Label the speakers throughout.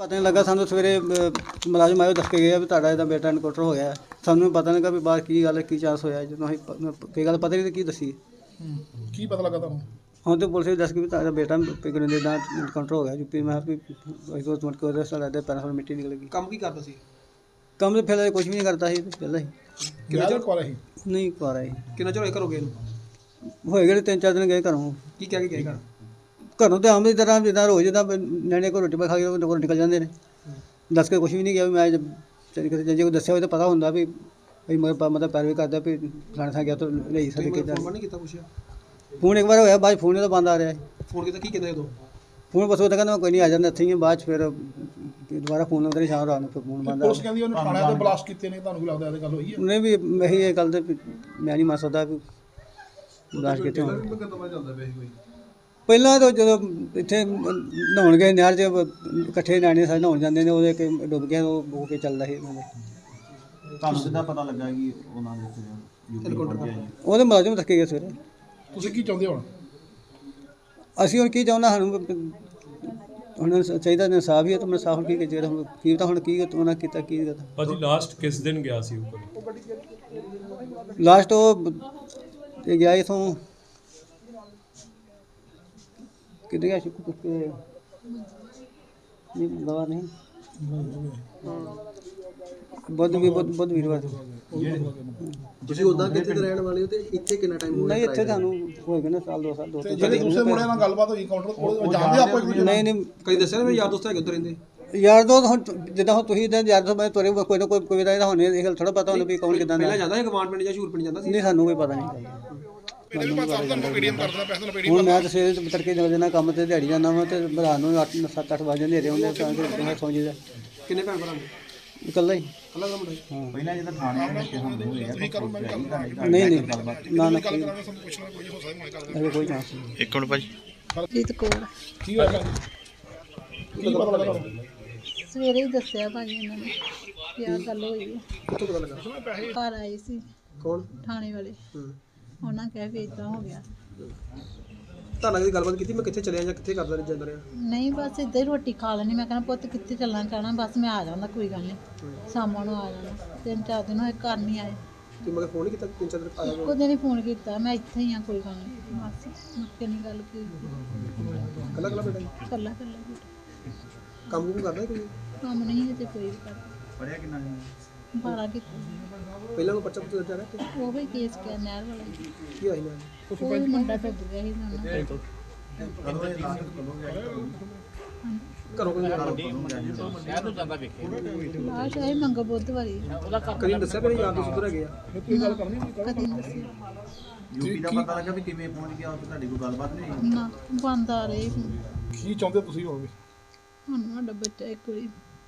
Speaker 1: ਪਤਾ ਨਹੀਂ ਲੱਗਾ ਸਾਨੂੰ ਸਵੇਰੇ ਮੁਲਾਜ਼ਮ ਆਇਓ ਦੱਸ ਕੇ ਗਿਆ ਵੀ ਤੁਹਾਡਾ ਇਹਦਾ ਬੇਟਾ ਇਨਕਾਊਂਟਰ ਹੋ ਗਿਆ। ਸਾਨੂੰ ਪਤਾ ਨਹੀਂ ਲੱਗਾ ਵੀ ਬਾਹਰ ਕੀ ਗੱਲ ਕੀ ਚਾਂਸ ਹੋਇਆ। ਜਦੋਂ ਅਸੀਂ ਕੋਈ ਗੱਲ ਪਤਾ ਨਹੀਂ ਕੀ ਦੱਸੀ।
Speaker 2: ਕੀ ਪਤਾ ਲੱਗਾ ਤੁਹਾਨੂੰ?
Speaker 1: ਹੁਣ ਤਾਂ ਪੁਲਿਸ ਵੀ ਦੱਸ ਗਈ ਵੀ ਤੁਹਾਡਾ ਬੇਟਾ ਪਿਗਨਦੇ ਦਾ ਇਨਕਾਊਂਟਰ ਹੋ ਗਿਆ ਯੂਪੀ। ਮੈਂ ਵੀ ਦੋ ਮਿੰਟ ਕੋਲ ਰਸਤਾ ਲੱਗਦਾ ਪੈਰਾਂ ਤੋਂ ਮਿੱਟੀ ਨਿਕਲ ਗਈ।
Speaker 3: ਕੰਮ ਕੀ ਕਰਦਾ ਸੀ?
Speaker 1: ਕੰਮ ਤਾਂ ਫਿਰ ਕੁਝ ਵੀ ਨਹੀਂ ਕਰਦਾ ਸੀ ਪਹਿਲਾਂ ਹੀ।
Speaker 2: ਕਿੰਨਾ ਚਿਰ ਕੋਲ ਸੀ?
Speaker 1: ਨਹੀਂ ਕਰ ਆਈ।
Speaker 3: ਕਿੰਨਾ ਚਿਰ ਹੋਇਆ ਘਰੋਂ ਗਏ ਨੂੰ?
Speaker 1: ਹੋਏ ਗਏ 3-4 ਦਿਨ ਗਏ ਘਰੋਂ।
Speaker 3: ਕੀ ਕਹਿ ਕੇ ਗਏ ਘਰ?
Speaker 1: ਘਰੋਂ ਤਾਂ ਆਮ ਦੀ ਤਰ੍ਹਾਂ ਜਿੱਦਾਂ ਰੋਜ਼ ਜਿੱਦਾਂ ਨਿਆਣੇ ਕੋਲ ਰੋਟੀ ਪਾ ਖਾ ਕੇ ਘਰੋਂ ਨਿਕਲ ਜਾਂਦੇ ਨੇ। ਦੱਸ ਕੇ ਕੁਝ ਵੀ ਨਹੀਂ ਗਿਆ ਵੀ ਮੈਂ ਜੇ ਕੋਈ ਦੱਸਿਆ ਹੋਵੇ ਤਾਂ ਪਤਾ ਹੁੰਦਾ ਵੀ ਮਤਲਬ ਪੈਰਵੀ ਕਰਦਾ ਵੀ ਫਲਾਣੇ ਥਾਂ ਗਿਆ ਤਾਂ ਲਈ ਸਕਦੇ ਕਿੱਦਾਂ।
Speaker 3: ਫੋਨ ਨਹੀਂ ਕੀਤਾ ਪੁੱਛਿਆ?
Speaker 1: ਫੋਨ ਇੱਕ ਵਾਰ ਹੋਇਆ, ਬਾਅਦ ਫੋਨ ਤਾਂ ਬੰਦ ਆ ਰਿਹਾ।
Speaker 3: ਫੋਨ ਕੀਤਾ ਕੀ ਕਹਿੰਦੇ ਉਦੋਂ?
Speaker 1: ਫੋਨ ਬਸ ਉਹ ਤਾਂ ਕਹਿੰਦਾ ਕੋਈ ਨਹੀਂ ਆ ਜਾਂਦਾ ਇੱਥੇ ਹੀ। ਬਾਅਦ 'ਚ ਫਿਰ ਦੁਬਾਰਾ ਫੋਨ ਲਾਉਂਦੇ ਸ਼ਾਮ ਰਾਤ ਨੂੰ ਫਿਰ ਫੋਨ ਬੰਦ ਆ।
Speaker 2: ਪੁਲਿਸ ਕਹਿੰਦੀ ਉਹਨੇ ਥਾਣੇ ਤੇ ਬਲਾਸਟ ਕੀਤੇ ਨੇ, ਤੁਹਾਨੂੰ ਕੀ ਲੱਗਦਾ ਇਹ ਗੱਲ ਹੋਈ ਹੈ?
Speaker 1: ਉਹਨੇ ਵੀ ਇਹੀ ਇਹ ਗੱਲ ਤੇ ਮੈਂ ਨਹੀਂ ਮੰਨ ਸਕਦਾ ਵੀ ਬਲਾਸਟ ਕਿਤੇ ਹੋਣ। ਪਹਿਲਾਂ ਤਾਂ ਜਦੋਂ ਇੱਥੇ ਨਹਾਉਣ ਗਏ ਨਹਿਰ 'ਚ ਇਕੱਠੇ ਨਿਆਣੇ ਸਾਰੇ ਨਹਾਉਣ ਜਾਂਦੇ ਨੇ, ਉਹਦੇ ਕਿ ਡੁੱਬ ਗਿਆ ਉਹ ਹੋ ਕੇ ਚੱਲਦਾ ਸੀ ਉਹਨਾਂ ਦੇ।
Speaker 4: ਤੁਹਾਨੂੰ ਕਿੱਦਾਂ ਪਤਾ ਲੱਗਾ ਕਿ ਉਹਨਾਂ ਦੇ ਯੂਪੀ ਪਹੁੰਚ ਗਿਆ ਜੀ?
Speaker 1: ਉਹਦੇ ਮੁਲਾਜ਼ਮ ਥੱਕੇ ਗਏ ਸਵੇਰੇ।
Speaker 2: ਤੁਸੀਂ ਕੀ ਚਾਹੁੰਦੇ ਹੁਣ?
Speaker 1: ਅਸੀਂ ਹੁਣ ਕੀ ਚਾਹੁੰਦਾ ਸਾਨੂੰ ਹੁਣ ਚਾਹੀਦਾ ਇਨਸਾਫ ਹੀ ਹੈ। ਤਾਂ ਮੈਂ ਸਾਫ ਕੀ ਜਿਹੜਾ ਹੁਣ ਕੀ ਤਾਂ ਹੁਣ ਕੀ ਉਹਨਾਂ ਕੀਤਾ ਕੀ ਕਰਤਾ।
Speaker 5: ਭਾਜੀ ਲਾਸਟ ਕਿਸ ਦਿਨ ਗਿਆ ਸੀ ਉੱਪਰ?
Speaker 1: ਲਾਸਟ ਉਹ ਤੇ ਗਿਆ ਇਥੋਂ ਕਿੱਥੇ ਗਿਆ ਸ਼ੁਕਰ ਕੇ ਨਹੀਂ ਦਵਾ ਨਹੀਂ ਬੁੱਧ ਵੀਰਵਾਰ।
Speaker 3: ਤੁਸੀਂ ਉਦਾਂ ਕਿੱਥੇ ਦੇ ਰਹਿਣ ਵਾਲੇ ਹੋ ਤੇ ਇੱਥੇ ਕਿੰਨਾ ਟਾਈਮ ਹੋ ਗਿਆ?
Speaker 1: ਨਹੀਂ ਇੱਥੇ ਤੁਹਾਨੂੰ ਹੋਏਗਾ ਨਾ ਸਾਲ 2 ਸਾਲ
Speaker 2: ਜਿਹੜੇ ਦੂਸਰੇ ਮੁੰਡੇ ਨਾਲ ਗੱਲਬਾਤ ਹੋਈ ਕਾਊਂਟਰ ਕੋਲ, ਜਾਣਦੇ ਆਪਾਂ ਇੱਕ ਦੂਜੇ ਨੂੰ?
Speaker 1: ਨਹੀਂ
Speaker 3: ਕਈ ਦੱਸਿਆ ਨਾ ਮੇਰੇ ਯਾਰ ਦੋਸਤ ਹੈਗੇ ਉੱਧਰ ਰਹਿੰਦੇ।
Speaker 1: ਯਾਰ ਦੋ ਹੁਣ ਜਿੱਦਾਂ ਹੁਣ ਤੁਸੀਂ ਇਦਾਂ ਯਾਰ ਦੋ ਮੈਂ ਤੁਹਾਡੇ ਕੋਈ ਨਾ ਕੋਈ ਦਾ ਹੁਣ ਇਹ ਗੱਲ ਥੋੜਾ ਪਤਾ ਹੁੰਦਾ ਵੀ ਕੌਣ ਕਿਦਾਂ ਦਾ।
Speaker 3: ਪਹਿਲਾਂ ਜਾਂਦਾ ਸੀ ਗਵਾਂਡ ਪਿੰਡ ਜਾਂ ਸ਼ੂਰ ਪਿੰਡ ਜਾਂਦਾ ਸੀ?
Speaker 1: ਨਹੀਂ ਸਾਨੂੰ ਕੋਈ ਪਤਾ ਨਹੀਂ। ਹੁਣ ਮੈਂ ਤਾਂ ਸਵੇਰੇ ਤੜਕੇ ਨਿਕਲ ਜਾਂਦਾ ਕੰਮ ਤੇ, ਦਿਹਾੜੀ ਜਾਂਦਾ ਵਾ ਤੇ ਰਾਤ ਨੂੰ 7-8 ਵਜੇ ਹਨੇਰੇ ਹੁੰਦੇ ਤਾਂ ਸੌਂ ਜੀਦਾ।
Speaker 3: ਕਿੰਨੇ ਭੈਣ ਭਰਾ ਨੇ?
Speaker 1: ਇਕੱਲਾ ਹੀ।
Speaker 3: ਕੱਲਾ ਦਾ ਮੁੰਡਾ?
Speaker 1: ਹਾਂ
Speaker 4: ਪਹਿਲਾਂ ਜਦੋਂ ਥਾਣੇ ਦੇ ਹਮਲੇ ਹੋਏ ਆ
Speaker 1: ਨਹੀਂ ਨਾ ਕੋਈ ਚਾਂਸ ਨਹੀਂ।
Speaker 4: ਇੱਕ ਮਿੰਟ ਭਾਜੀ।
Speaker 6: ਜੀਤ ਕੌਰ।
Speaker 2: ਕੀ ਹੋਇਆ ਭੈਣ? ਕੀ ਪਤਾ ਲੱਗਾ ਤੁਹਾਨੂੰ?
Speaker 6: ਸਵੇਰੇ ਹੀ ਦੱਸਿਆ ਭਾਜੀ ਇਹਨਾਂ ਨੇ ਕਿ ਆਹ ਗੱਲ ਹੋਈ ਹੈ।
Speaker 3: ਕਿੱਥੋਂ ਪਤਾ ਲੱਗਾ?
Speaker 6: ਘਰ ਆਏ ਸੀ
Speaker 3: ਕੌਣ?
Speaker 6: ਥਾਣੇ ਵਾਲੇ। ਉਹਨਾਂ ਕਹਿ ਵੀ ਇਦਾਂ ਹੋ ਗਿਆ।
Speaker 3: ਤਾਂ ਲੱਗਦੀ ਗੱਲਬਾਤ ਕੀਤੀ ਮੈਂ ਕਿੱਥੇ ਚਲਿਆ ਜਾਂ ਕਿੱਥੇ ਕਰਦਾ ਜਾਂਦਾ ਰਿਹਾ?
Speaker 6: ਨਹੀਂ ਬਸ ਇੱਦਾਂ ਹੀ ਰੋਟੀ ਖਾ ਲੈਣੀ। ਮੈਂ ਕਹਿੰਦਾ ਪੁੱਤ ਕਿੱਥੇ ਚੱਲਣਾ ਚਾਹਣਾ, ਬਸ ਮੈਂ ਆ ਜਾਂਦਾ ਕੋਈ ਗੱਲ ਨਹੀਂ ਸ਼ਾਮਾਂ ਨੂੰ ਆ ਜਾਣਾ। 3-4 ਦਿਨ ਹੋਏ ਘਰ ਨਹੀਂ ਆਏ।
Speaker 3: ਤੂੰ ਮਗਰ ਫੋਨ ਨਹੀਂ ਕੀਤਾ? 3-4 ਦਿਨ ਆਇਆ
Speaker 6: ਇੱਕੋ ਦਿਨ ਹੀ ਫੋਨ ਕੀਤਾ ਮੈਂ ਇੱਥੇ ਹੀ ਆ ਕੋਈ ਗੱਲ ਨਹੀਂ ਬਸ ਮੁੱਕੇ ਨਹੀਂ ਗੱਲ ਕੀ।
Speaker 3: ਕੱਲਾ ਕੱਲਾ ਬੇਟਾ?
Speaker 6: ਕੱਲਾ ਕੱਲਾ
Speaker 3: ਕੰਮ ਕੁਮ ਕਰਦਾ ਕੋਈ?
Speaker 6: ਕੰਮ ਨਹੀਂ ਤੇ ਕੋਈ ਵੀ ਕਰਦਾ।
Speaker 4: ਪੜਿਆ ਕਿੰਨਾ ਸੀ?
Speaker 6: 12 ਕੀਤਾ।
Speaker 3: ਪਹਿਲਾਂ ਉਹ ਬੱਚਾ ਪੁੱਛਦਾ ਰਿਹਾ
Speaker 6: ਉਹ ਵੀ ਕੇਸ ਕਿਆ ਨਹਿਰ ਵਾਲਾ
Speaker 3: ਕੀ ਹੋਇਆ ਨਾ?
Speaker 6: ਉਹ ਵੀ ਮੁੰਡਾ ਭੱਜ ਗਿਆ ਸੀ ਨਾਲ।
Speaker 4: ਕਦੋਂ ਇਹ ਲਾਸਟ ਕਦੋਂ ਗਿਆ?
Speaker 3: ਘਰੋਂ ਕੋਈ
Speaker 6: ਆਹ ਸ਼ਾਇਦ ਮੰਗਾ ਬੁੱਧਵਾਰੀ
Speaker 3: ਕਦੀ ਦੱਸਿਆ ਮੇਰੇ ਯਾਰ ਦੋਸਤ ਉੱਧਰ ਹੈਗੇ ਆ?
Speaker 6: ਕਦੀ ਨਹੀਂ ਦੱਸਿਆ
Speaker 4: ਯੂਪੀ ਦਾ ਪਤਾ ਲੱਗਾ ਵੀ ਕਿਵੇਂ ਪਹੁੰਚ ਗਿਆ ਉੱਥੇ? ਤੁਹਾਡੀ ਕੋਈ ਗੱਲਬਾਤ ਨਹੀਂ ਹੋਈ?
Speaker 6: ਨਾ ਬੰਦ ਆ ਰਹੇ
Speaker 2: ਕੀ ਚਾਹੁੰਦੇ ਤੁਸੀਂ ਹੋਵੇ?
Speaker 6: ਹੁਣ ਸਾਡਾ ਬੱਚਾ ਇੱਕ ਵਾਰੀ।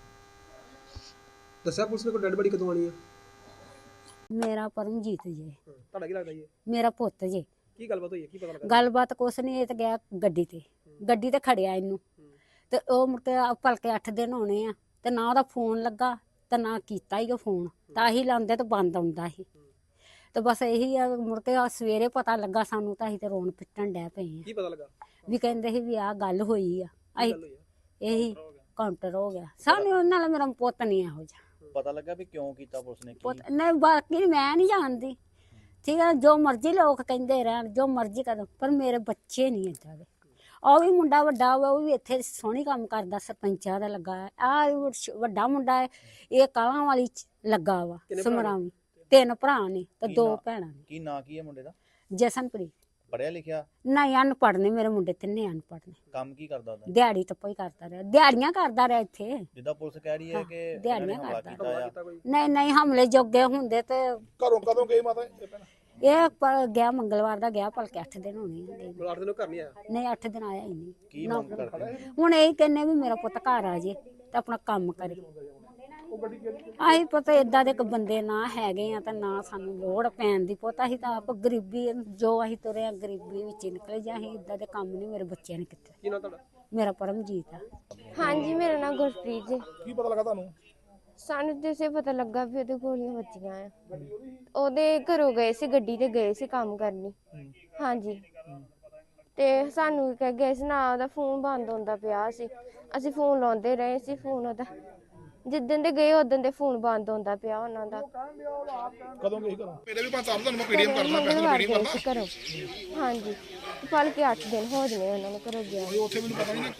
Speaker 3: ਦੱਸਿਆ ਪੁਲਿਸ ਨੇ ਕੋਈ ਡੈਡ ਬੜੀ ਕਦੋਂ ਆਣੀ ਆ?
Speaker 7: ਮੇਰਾ ਪਰਮਜੀਤ ਜੀ।
Speaker 3: ਤੁਹਾਡਾ ਕੀ ਲੱਗਦਾ ਜੀ?
Speaker 7: ਮੇਰਾ ਪੁੱਤ ਜੀ।
Speaker 3: ਕੀ ਗੱਲਬਾਤ ਹੋਈ ਹੈ? ਕੀ ਪਤਾ ਲੱਗਾ?
Speaker 7: ਗੱਲਬਾਤ ਕੁਛ ਨਹੀਂ, ਇਹ ਤਾਂ ਗਿਆ ਗੱਡੀ ਤੇ ਖੜਿਆ ਇਹਨੂੰ ਤੇ ਉਹ ਮੁੜ ਕੇ ਭਲਕੇ 8 ਦਿਨ ਹੋਣੇ ਆ ਤੇ ਨਾ ਉਹਦਾ ਫੋਨ ਲੱਗਾ ਤੇ ਨਾ ਕੀਤਾ ਹੀ ਉਹ ਫੋਨ। ਤਾਂ ਹੀ ਲਾਉਂਦੇ ਤੇ ਬੰਦ ਆਉਂਦਾ ਸੀ ਤੇ ਬਸ ਇਹੀ ਆ। ਮੁੜ ਕੇ ਸਵੇਰੇ ਪਤਾ ਲੱਗਾ ਸਾਨੂੰ ਤਾਂ ਅਸੀਂ ਤੇ ਰੋਣ ਪਿੱਟਣ ਡੈ ਪਏ ਆ।
Speaker 3: ਕੀ ਪਤਾ ਲੱਗਾ?
Speaker 7: ਵੀ ਕਹਿੰਦੇ ਸੀ ਵੀ ਆਹ ਗੱਲ ਹੋਈ ਆ। ਅਸੀਂ ਇਹੀ ਕਾਊਂਟਰ ਹੋ ਗਿਆ ਸਾਨੂੰ। ਉਹਨਾਂ ਨਾਲ ਮੇਰਾ ਪੁੱਤ ਨਹੀਂ ਇਹੋ ਜਿਹਾ।
Speaker 4: ਪਤਾ ਲੱਗਾ ਵੀ ਕਿਉਂ ਕੀਤਾ ਪੁਲਿਸ ਨੇ?
Speaker 7: ਪੁੱਤ ਨਹੀਂ ਬਾਕੀ ਮੈਂ ਨਹੀਂ ਜਾਣਦੀ। ਠੀਕ ਹੈ ਜੋ ਮਰਜ਼ੀ ਲੋਕ ਕਹਿੰਦੇ ਰਹਿਣ ਜੋ ਮਰਜ਼ੀ ਕਰਨ ਪਰ ਮੇਰੇ ਬੱਚੇ ਨਹੀਂ ਏਦਾਂ ਦੇ। ਉਹ ਵੀ ਮੁੰਡਾ ਵੱਡਾ ਵਾ, ਉਹ ਵੀ ਇੱਥੇ ਸੋਹਣੀ ਕੰਮ ਕਰਦਾ, ਸਰਪੰਚਾਂ ਦਾ ਲੱਗਾ ਹੈ। ਆਹ ਵੱਡਾ ਮੁੰਡਾ ਹੈ ਇਹ ਕਾਲਾਂ ਵਾਲੀ ਚ ਲੱਗਾ ਵਾ ਸਮਰਾਵੀ। 3 ਭਰਾ ਨੇ ਤੇ 2 ਭੈਣਾਂ ਨੇ।
Speaker 4: ਕੀ ਨਾਂ ਕੀ ਹੈ ਮੁੰਡੇ ਦਾ?
Speaker 7: ਜਸਨਪ੍ਰੀਤ।
Speaker 4: ਪੜਿਆ ਲਿਖਿਆ?
Speaker 7: ਨਹੀਂ ਅਨਪੜ੍ਹ ਨੇ ਮੇਰੇ ਮੁੰਡੇ, ਤਿੰਨੇ ਅਨਪੜ੍ਹ ਨੇ।
Speaker 4: ਕੰਮ ਕੀ ਕਰਦਾ ਉਹਦਾ?
Speaker 7: ਦਿਹਾੜੀ ਤੱਪਾ ਹੀ ਕਰਦਾ ਰਿਹਾ, ਦਿਹਾੜੀਆਂ ਕਰਦਾ ਰਿਹਾ ਇੱਥੇ।
Speaker 4: ਜਿੱਦਾਂ ਪੁਲਿਸ ਕਹਿ ਰਹੀ ਹੈ ਕਿ
Speaker 7: ਦਿਹਾੜੀਆਂ
Speaker 4: ਹਮਲਾ
Speaker 7: ਕਰਦਾ।
Speaker 4: ਕੀਤਾ ਆ।
Speaker 7: ਨਹੀਂ ਹਮਲੇ ਜੋਗੇ ਹੁੰਦੇ ਤੇ
Speaker 2: ਘਰੋਂ ਕਦੋਂ ਗਏ ਮਾਤਾ ਇਹ ਭੈਣ?
Speaker 7: ਇਹ ਗਿਆ ਮੰਗਲਵਾਰ ਦਾ ਗਿਆ, ਭਲਕੇ 8 ਦਿਨ ਹੋਣੇ ਆ।
Speaker 3: 8 ਦਿਨ ਘਰ ਨਹੀਂ ਆਇਆ?
Speaker 7: ਨਹੀਂ 8 ਦਿਨ ਆਇਆ ਹੀ ਨਹੀਂ।
Speaker 4: ਕੀ ਮੰਗ ਕਰਦੇ?
Speaker 7: ਹੁਣ ਇਹ ਕਹਿੰਨੇ ਵੀ ਮੇਰਾ ਪੁੱਤ ਘਰ ਆ ਜੇ ਤੇ ਆਪਣਾ ਕੰਮ ਕਰੇ। ਆਹੀ ਪਤਾ ਏਦਾਂ ਦੇ ਇੱਕ ਬੰਦੇ ਨਾ ਹੈਗੇ ਆ ਤੇ ਨਾ ਸਾਨੂੰ ਲੋੜ ਪੈਣ ਦੀ। ਪੁੱਤ ਅਸੀਂ ਤਾਂ ਆਪ ਗਰੀਬੀ ਜੋ ਅਸੀਂ ਤੁਰੇ ਆ ਗਰੀਬੀ ਵਿੱਚ ਨਿਕਲੇ ਜਾਂ ਅਸੀਂ ਏਦਾਂ ਦੇ ਕੰਮ ਨਹੀਂ ਮੇਰੇ ਬੱਚਿਆਂ ਨੇ ਕੀਤੇ।
Speaker 3: ਕੀ ਨਾਂ ਤੁਹਾਡਾ?
Speaker 7: ਮੇਰਾ ਪਰਮਜੀਤ ਆ।
Speaker 8: ਹਾਂਜੀ ਮੇਰਾ ਨਾਮ ਗੁਰਪ੍ਰੀਤ ਜੀ।
Speaker 2: ਕੀ ਪਤਾ ਲੱਗਾ ਤੁਹਾਨੂੰ?
Speaker 8: ਸਾਨੂੰ ਜਿਸੇ ਪਤਾ ਲੱਗਾ ਵੀ ਉਹਦੇ ਗੋਲੀਆਂ ਵੱਜੀਆਂ ਆ। ਉਹਦੇ ਘਰੋਂ ਗਏ ਸੀ, ਗੱਡੀ ਤੇ ਗਏ ਸੀ ਕੰਮ ਕਰਨੀ। ਹਾਂਜੀ ਤੇ ਸਾਨੂੰ ਕਹਿ ਗਏ ਸੀ ਨਾ ਉਹਦਾ ਫੋਨ ਬੰਦ ਹੁੰਦਾ ਪਿਆ ਸੀ। ਅਸੀਂ ਫੋਨ ਲਾਉਂਦੇ ਰਹੇ ਸੀ, ਫੋਨ ਉਹਦਾ ਜਿੱਦਣ ਦੇ ਗਏ ਉਦੋਂ ਦੇ ਫੋਨ ਬੰਦ ਹੁੰਦਾ ਪਿਆ ਉਹਨਾਂ ਦਾ।
Speaker 2: ਕਦੋਂ ਗਏ ਘਰੋਂ? ਮੇਰੇ ਵੀ 5 ਸਾਲ ਤੁਹਾਨੂੰ ਮੈਂ ਪੀਡੀਐਮ ਕਰਦਾ, ਪੈਸੇ
Speaker 8: ਮੰਗਲਵਾਰ
Speaker 2: ਪੀਡੀਐਮ
Speaker 8: ਗਏ ਸੀ
Speaker 2: ਕਰਦਾ।
Speaker 8: ਘਰੋਂ। ਹਾਂਜੀ ਫਲ ਕੇ 8 ਦਿਨ ਹੋ ਜਨੇ ਉਹਨਾਂ ਨੂੰ ਘਰੋਂ ਗਿਆ।
Speaker 2: ਉੱਥੇ ਮੈਨੂੰ ਪਤਾ ਨਹੀਂ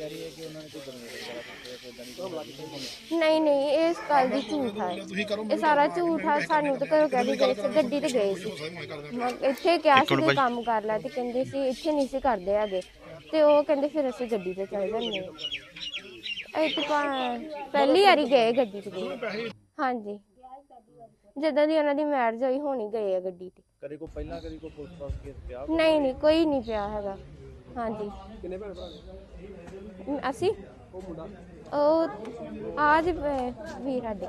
Speaker 8: ਨਹੀਂ ਇਸ ਗੱਲ ਦੀ ਝੂਠ ਆ,
Speaker 2: ਤੁਸੀਂ ਕਰੋ।
Speaker 8: ਇਹ ਸਾਰਾ ਝੂਠ ਆ। ਸਾਨੂੰ ਤਾਂ ਘਰੋਂ ਕਹਿ ਕੇ ਗਏ ਸੀ, ਗੱਡੀ ਤੇ ਗਏ ਸੀ। ਇੱਥੇ ਕਿਹਾ ਸੀ ਕੋਈ ਕੰਮ ਕਰ ਲੈ ਤੇ ਕਹਿੰਦੇ ਸੀ ਇੱਥੇ ਨਹੀਂ ਸੀ ਕਰਦੇ ਹੈਗੇ, ਤੇ ਉਹ ਕਹਿੰਦੇ ਫਿਰ ਅਸੀਂ ਗੱਡੀ ਤੇ ਚੱਲ ਜਾਂਦੇ ਹਾਂ। ਅਸੀਂ ਤਾਂ ਪਹਿਲੀ ਵਾਰੀ ਗਏ ਗੱਡੀ ਤੇ ਗਏ। ਹਾਂਜੀ ਜਦੋਂ ਦੀ ਉਹਨਾਂ ਦੀ ਮੈਰਿਜ ਹੋਈ ਹੋਣੀ ਗਏ ਆ ਗੱਡੀ ਤੇ।
Speaker 4: ਕਦੇ ਕੋਈ ਪਹਿਲਾਂ ਕਦੇ ਕੋਈ ਪੁਲਿਸ ਪਾਸ ਕੇਸ ਪਿਆ?
Speaker 8: ਨਹੀਂ ਕੋਈ ਨਹੀਂ ਪਿਆ ਹੈਗਾ। ਹਾਂਜੀ
Speaker 3: ਕਿੰਨੇ ਭੈਣ ਭਰਾ ਨੇ?
Speaker 8: ਅਸੀਂ
Speaker 3: ਉਹ ਮੁੰਡਾ
Speaker 8: ਉਹ ਆਜ ਵੀਰ ਸਾਡੇ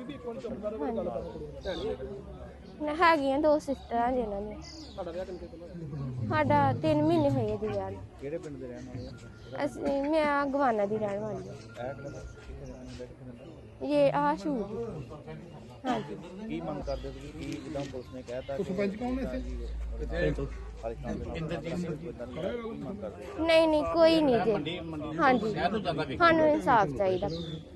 Speaker 8: ਹੈਗੀਆਂ 2 ਸਿਸਟਰਾਂ ਜਿਹਨਾਂ ਦੀਆਂ।
Speaker 3: ਤੁਹਾਡਾ ਵਿਆਹ ਕਿੰਨੇ ਕੋਲ?
Speaker 8: ਸਾਡਾ 3 ਮਹੀਨੇ ਹੋਏ ਆ ਜੀ ਵਿਆਹ ਨੂੰ।
Speaker 4: ਕਿਹੜੇ ਪਿੰਡ ਦੇ ਰਹਿਣ ਵਾਲੇ ਆ?
Speaker 8: ਅਸੀਂ ਮੈਂ ਗਵਾਨਾ ਦੀ ਰਹਿਣ ਵਾਲੀ ਹਾਂ। ਇਹ ਸ਼ੂਟ। ਹਾਂਜੀ
Speaker 4: ਕੀ ਮੰਗ ਕਰਦੇ ਤੁਸੀਂ? ਕੀ ਜਿੱਦਾਂ ਪੁਲਿਸ ਨੇ ਕਹਿਤਾ
Speaker 2: ਸਰਪੰਚ ਕੌਣ ਨੇ ਇੱਥੇ?
Speaker 4: ਇੰਦਰਜੀਤ ਸਿੰਘ ਕੀ ਮੰਗ ਕਰਦੇ?
Speaker 8: ਨਹੀਂ ਕੋਈ ਨਹੀਂ ਜੀ। ਹਾਂਜੀ ਸਾਨੂੰ ਇਨਸਾਫ ਚਾਹੀਦਾ।